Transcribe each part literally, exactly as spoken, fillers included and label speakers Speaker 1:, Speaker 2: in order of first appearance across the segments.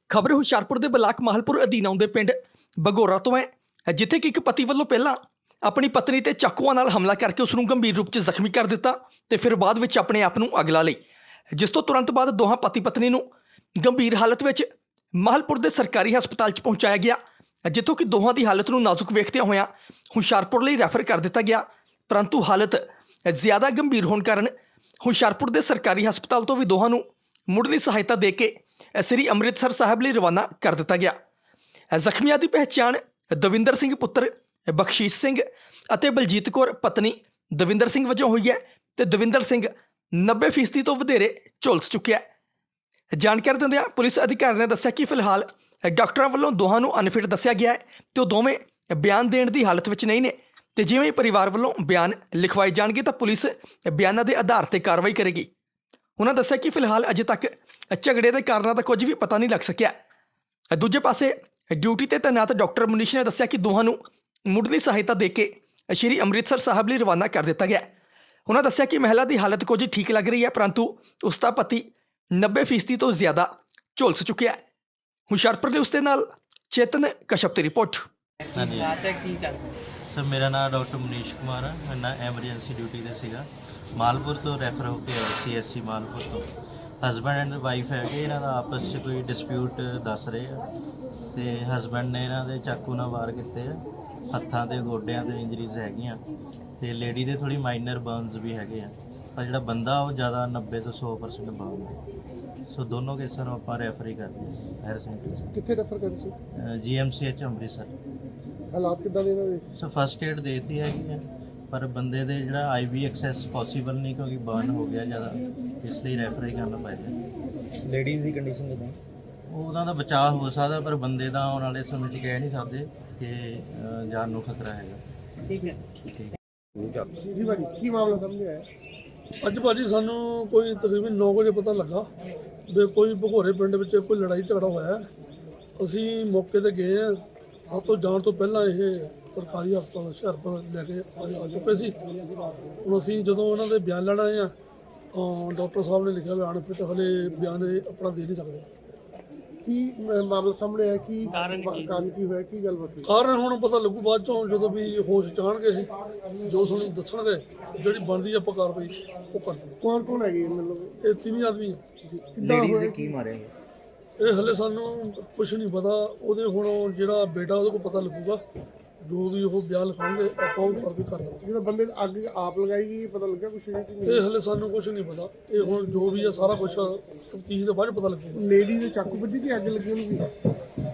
Speaker 1: ਖਬਰ ਹੁਸ਼ਿਆਰਪੁਰ ਦੇ ਬਲਾਕ ਮਾਹਲਪੁਰ ਅਧੀਨ ਆਉਂਦੇ ਪਿੰਡ ਬਗੋਰਾ ਤੋਂ ਹੈ, ਜਿੱਥੇ ਕਿ ਇੱਕ ਪਤੀ ਵੱਲੋਂ ਪਹਿਲਾਂ ਆਪਣੀ ਪਤਨੀ ਤੇ ਚਾਕੂਆਂ ਨਾਲ ਹਮਲਾ ਕਰਕੇ ਉਸ ਨੂੰ ਗੰਭੀਰ ਰੂਪ 'ਚ ਜ਼ਖਮੀ ਕਰ ਦਿੱਤਾ ਤੇ ਫਿਰ ਬਾਅਦ ਵਿੱਚ ਆਪਣੇ ਆਪ ਨੂੰ ਅੱਗ ਲਾ ਲਈ, ਜਿਸ ਤੋਂ ਤੁਰੰਤ ਬਾਅਦ ਦੋਹਾਂ ਪਤੀ ਪਤਨੀ ਨੂੰ ਗੰਭੀਰ ਹਾਲਤ ਵਿੱਚ ਮਾਹਲਪੁਰ ਦੇ ਸਰਕਾਰੀ ਹਸਪਤਾਲ 'ਚ ਪਹੁੰਚਾਇਆ ਗਿਆ, ਜਿੱਥੋਂ ਕਿ ਦੋਹਾਂ ਦੀ ਹਾਲਤ ਨੂੰ ਨਾਜ਼ੁਕ ਵੇਖਦਿਆਂ ਹੋਇਆਂ ਹੁਸ਼ਿਆਰਪੁਰ ਲਈ ਰੈਫਰ ਕਰ ਦਿੱਤਾ ਗਿਆ। ਪਰੰਤੂ ਹਾਲਤ ਜ਼ਿਆਦਾ ਗੰਭੀਰ ਹੋਣ ਕਾਰਨ ਹੁਸ਼ਿਆਰਪੁਰ ਦੇ ਸਰਕਾਰੀ ਹਸਪਤਾਲ ਤੋਂ ਵੀ ਦੋਹਾਂ ਨੂੰ ਮੁੱਢਲੀ ਸਹਾਇਤਾ ਦੇ ਕੇ ਸ੍ਰੀ ਅੰਮ੍ਰਿਤਸਰ ਸਾਹਿਬ ਲਈ ਰਵਾਨਾ ਕਰ ਦਿੱਤਾ ਗਿਆ। ਜ਼ਖਮੀਆਂ ਦੀ ਪਹਿਚਾਣ ਦਵਿੰਦਰ ਸਿੰਘ ਪੁੱਤਰ ਬਖਸ਼ੀਸ਼ ਸਿੰਘ ਅਤੇ ਬਲਜੀਤ ਕੌਰ ਪਤਨੀ ਦਵਿੰਦਰ ਸਿੰਘ ਵਜੋਂ ਹੋਈ ਹੈ ਤੇ ਦਵਿੰਦਰ ਸਿੰਘ ਨੱਬੇ ਫੀਸਦੀ ਤੋਂ ਵਧੇਰੇ ਝੁਲਸ ਚੁੱਕਿਆ ਹੈ। ਜਾਣਕਾਰੀ ਦਿੰਦਿਆਂ ਪੁਲਿਸ ਅਧਿਕਾਰੀ ਨੇ ਦੱਸਿਆ ਕਿ ਫਿਲਹਾਲ ਡਾਕਟਰਾਂ ਵੱਲੋਂ ਦੋਹਾਂ ਨੂੰ ਅਨਫਿਟ ਦੱਸਿਆ ਗਿਆ ਹੈ ਤੇ ਉਹ ਦੋਵੇਂ ਬਿਆਨ ਦੇਣ ਦੀ ਹਾਲਤ ਵਿੱਚ ਨਹੀਂ ਨੇ ਤੇ ਜਿਵੇਂ ਪਰਿਵਾਰ ਵੱਲੋਂ ਬਿਆਨ ਲਿਖਵਾਏ ਜਾਣਗੇ ਤਾਂ ਪੁਲਿਸ ਬਿਆਨਾਂ ਦੇ ਆਧਾਰ ਤੇ ਕਾਰਵਾਈ ਕਰੇਗੀ। ਉਹਨਾਂ ਦੱਸਿਆ ਕਿ ਫਿਲਹਾਲ ਅਜੇ ਤੱਕ ਝਗੜੇ ਦੇ ਕਾਰਨਾਂ ਦਾ ਕੁਝ ਵੀ ਪਤਾ ਨਹੀਂ ਲੱਗ ਸਕਿਆ। ਦੂਜੇ ਪਾਸੇ ਡਿਊਟੀ ਤੇ ਤੈਨਾਤ ਡਾਕਟਰ ਮਨੀਸ਼ ਨੇ ਦੱਸਿਆ ਕਿ ਦੋਹਾਂ ਨੂੰ ਮੁੱਢਲੀ ਸਹਾਇਤਾ ਦੇ ਕੇ ਸ਼੍ਰੀ ਅੰਮ੍ਰਿਤਸਰ ਸਾਹਿਬ ਲਈ ਰਵਾਨਾ ਕਰ ਦਿੱਤਾ ਗਿਆ। ਉਹਨਾਂ ਦੱਸਿਆ ਕਿ ਮਹਿਲਾ ਦੀ ਹਾਲਤ ਕੁਝ ਠੀਕ ਲੱਗ ਰਹੀ ਹੈ, ਪਰੰਤੂ ਉਸ ਦਾ ਪਤੀ ਨੱਬੇ ਫੀਸਦੀ ਤੋਂ ਜ਼ਿਆਦਾ ਝੁਲਸ ਚੁੱਕਿਆ ਹੈ। ਹੁਸ਼ਿਆਰਪੁਰ ਨੇ ਉਸ ਦੇ ਨਾਲ ਚੇਤਨ ਕਸ਼ਪ ਦੀ ਰਿਪੋਰਟ।
Speaker 2: ਹਾਂਜੀ ਸਰ, ਮੇਰਾ ਨਾਮ ਡਾਕਟਰ ਮਨੀਸ਼ ਕੁਮਾਰ ਹੈ। ਮੈਂ ਨਾ ਐਮਰਜੈਂਸੀ ਡਿਊਟੀ ਤੇ ਸੀਗਾ। ਮਾਲਪੁਰ ਤੋਂ ਰੈਫਰ ਹੋ ਕੇ ਆਇਆ ਸੀ ਐਸ ਸੀ ਮਾਲਪੁਰ ਤੋਂ। ਹਸਬੈਂਡ ਐਂਡ ਵਾਈਫ ਹੈਗੇ, ਇਹਨਾਂ ਦਾ ਆਪਸ 'ਚ ਕੋਈ ਡਿਸਪਿਊਟ ਦੱਸ ਰਹੇ ਆ ਤੇ ਹਸਬੈਂਡ ਨੇ ਇਹਨਾਂ ਦੇ ਚਾਕੂ ਨਾਲ ਵਾਰ ਕੀਤੇ ਆ, ਹੱਥਾਂ ਤੇ ਗੋਡਿਆਂ ਤੇ ਇੰਜਰੀਜ਼ ਹੈਗੀਆਂ ਤੇ ਲੇਡੀ ਦੇ ਥੋੜੀ ਮਾਈਨਰ ਬਰਨਸ ਵੀ ਹੈਗੇ ਆ, ਪਰ ਜਿਹੜਾ ਬੰਦਾ ਉਹ ਜ਼ਿਆਦਾ ਨੱਬੇ ਤੋਂ ਸੌ ਪਰਸੈਂਟ ਬਰਨ ਹੈ। ਸੋ ਦੋਨੋਂ ਕੇਸਾਂ ਨੂੰ ਆਪਾਂ ਰੈਫਰ ਹੀ ਕਰਦੇ ਹਾਂ ਹਾਇਰ ਸੈਂਟਰ।
Speaker 3: ਕਿੱਥੇ ਰੈਫਰ ਕਰਦੇ ਸੀ?
Speaker 2: ਜੀ ਐਮ ਸੀ ਐਚ ਅੰਮ੍ਰਿਤਸਰ।
Speaker 3: ਹਾਲਾਤ ਕਿੱਦਾਂ ਦੇ ਇਹਨਾਂ ਦੇ?
Speaker 2: ਸੋ ਫਸਟ ਏਡ ਦੇਤੀ ਹੈਗੀ ਹੈ, ਪਰ ਬੰਦੇ ਦੇ ਜਿਹੜਾ ਆਈ ਵੀ ਐਕਸੈਸ ਪੋਸੀਬਲ ਨਹੀਂ ਕਿਉਂਕਿ ਬਰਨ ਹੋ ਗਿਆ ਜ਼ਿਆਦਾ, ਇਸ ਲਈ ਰੈਫਰ ਹੀ ਕਰਨਾ ਪਏਗਾ।
Speaker 4: ਲੇਡੀਜ਼ ਦੀ ਕੰਡੀਸ਼ਨ ਕਿੱਦਾਂ?
Speaker 2: ਉਹਨਾਂ ਦਾ ਬਚਾਅ ਹੋ ਸਕਦਾ, ਪਰ ਬੰਦੇ ਦਾ ਆਉਣ ਵਾਲੇ ਸਮੇਂ 'ਚ ਕਹਿ ਨਹੀਂ ਸਕਦੇ ਕਿ ਅ, ਜਾਨ ਨੂੰ ਖਤਰਾ ਹੈਗਾ।
Speaker 4: ਠੀਕ ਹੈ।
Speaker 2: ਠੀਕ।
Speaker 3: ਜੀ ਭਾਜੀ, ਕੀ ਮਾਮਲਾ ਸਾਹਮਣੇ ਆਇਆ?
Speaker 5: ਅੱਜ ਭਾਜੀ ਸਾਨੂੰ ਕੋਈ ਤਕਰੀਬਨ ਨੌ ਵਜੇ ਪਤਾ ਲੱਗਾ ਵੀ ਕੋਈ ਭਗੋਰੇ ਪਿੰਡ ਵਿੱਚ ਕੋਈ ਲੜਾਈ ਝਗੜਾ ਹੋਇਆ। ਅਸੀਂ ਮੌਕੇ ਤੇ ਗਏ ਹਾਂ। ਸਭ ਤੋਂ ਜਾਣ ਤੋਂ ਪਹਿਲਾਂ ਇਹ ਸਰਕਾਰੀ ਹਸਪਤਾਲ ਹੁਸ਼ਿਆਰਪੁਰ ਲੈ ਕੇ ਆ ਆ ਚੁੱਕੇ ਸੀ। ਹੁਣ ਅਸੀਂ ਜਦੋਂ ਉਹਨਾਂ ਦੇ ਬਿਆਨ ਲੈਣ ਆਏ ਹਾਂ ਤਾਂ ਡਾਕਟਰ ਸਾਹਿਬ ਨੇ ਲਿਖਿਆ ਵੀ ਅਨਫਿਟ, ਹਲੇ ਬਿਆਨ ਇਹ ਆਪਣਾ ਦੇ ਨਹੀਂ ਸਕਦੇ।
Speaker 3: ਕੀ ਮ- ਮਾਮਲਾ ਸਾਹਮਣੇ ਆਇਆ? ਕੀ ਕਾਰਨ ਕੀ ਹੋਇਆ? ਕੀ ਗੱਲਬਾਤ ਹੋਈ?
Speaker 5: ਕਾਰਨ ਹੁਣ ਪਤਾ ਲੱਗੂ ਬਾਅਦ ਚੋਂ, ਜਦੋਂ ਵੀ ਹੋਸ਼ ਚਾਣਗੇ ਇਹ ਜੋ ਸਾਨੂੰ ਦੱਸਣਗੇ, ਜਿਹੜੀ ਬਣਦੀ ਆਪਾਂ ਕਾਰਵਾਈ ਉਹ ਕਰਦੇ।
Speaker 3: ਕੌਣ ਕੌਣ ਹੈਗੇ ਮਤਲਬ?
Speaker 5: ਇਹ ਤਿੰਨ ਆਦਮੀ ਆ।
Speaker 3: ਕਿੱਦਾਂ
Speaker 4: ਲੇਡੀਜ਼
Speaker 3: ਹੋਇਆ?
Speaker 4: ਦੇ ਕੀ ਮਾਰਿਆ ਗਿਆ?
Speaker 5: ਇਹ ਹਲੇ ਸਾਨੂੰ ਕੁਝ ਨਹੀਂ ਪਤਾ। ਉਹਦੇ ਹੁਣ ਜਿਹੜਾ ਬੇਟਾ ਉਹਦੇ ਕੋਲ ਪਤਾ ਲੱਗੂਗਾ, ਜੋ ਵੀ ਉਹ ਬਿਆਨ ਲਿਖਾਉਣਗੇ ਆਪਾਂ ਉਹ ਕਾਰਵਾਈ ਕਰ ਦਾਂਗੇ।
Speaker 3: ਜਿਹੜਾ ਬੰਦੇ ਨੇ ਅੱਗ ਆਪ ਲਗਾਈ ਗਈ, ਪਤਾ ਲੱਗਿਆ ਕੁਛ ਨਹੀਂ?
Speaker 5: ਇਹ ਹਲੇ ਸਾਨੂੰ ਕੁਝ ਨਹੀਂ ਪਤਾ। ਇਹ ਹੁਣ ਜੋ ਵੀ ਆ ਸਾਰਾ ਕੁਝ ਤਫਤੀਸ਼ ਦੇ ਬਾਅਦ ਪਤਾ ਲੱਗੂਗਾ।
Speaker 3: ਲੇਡੀ ਦੇ ਚਾਕੂ ਵੱਜੀ ਕਿ ਅੱਗ ਲੱਗੀ ਉਹਨੂੰ? ਵੀ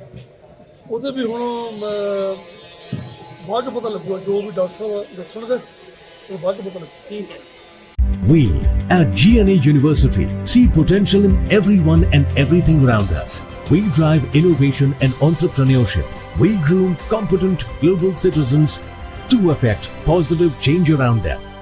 Speaker 5: ਉਹਦੇ ਵੀ ਹੁਣ ਮੈਂ ਬਾਅਦ 'ਚ ਪਤਾ ਲੱਗੂਗਾ, ਜੋ ਵੀ ਡਾਕਟਰ ਸਾਹਿਬ ਦੱਸਣਗੇ ਉਹ ਬਾਅਦ 'ਚ ਪਤਾ ਲੱਗੂਗਾ।
Speaker 4: ਠੀਕ ਹੈ।
Speaker 6: We at G N A University see potential in everyone and everything around us. We drive innovation and entrepreneurship. We groom competent global citizens to affect positive change around them.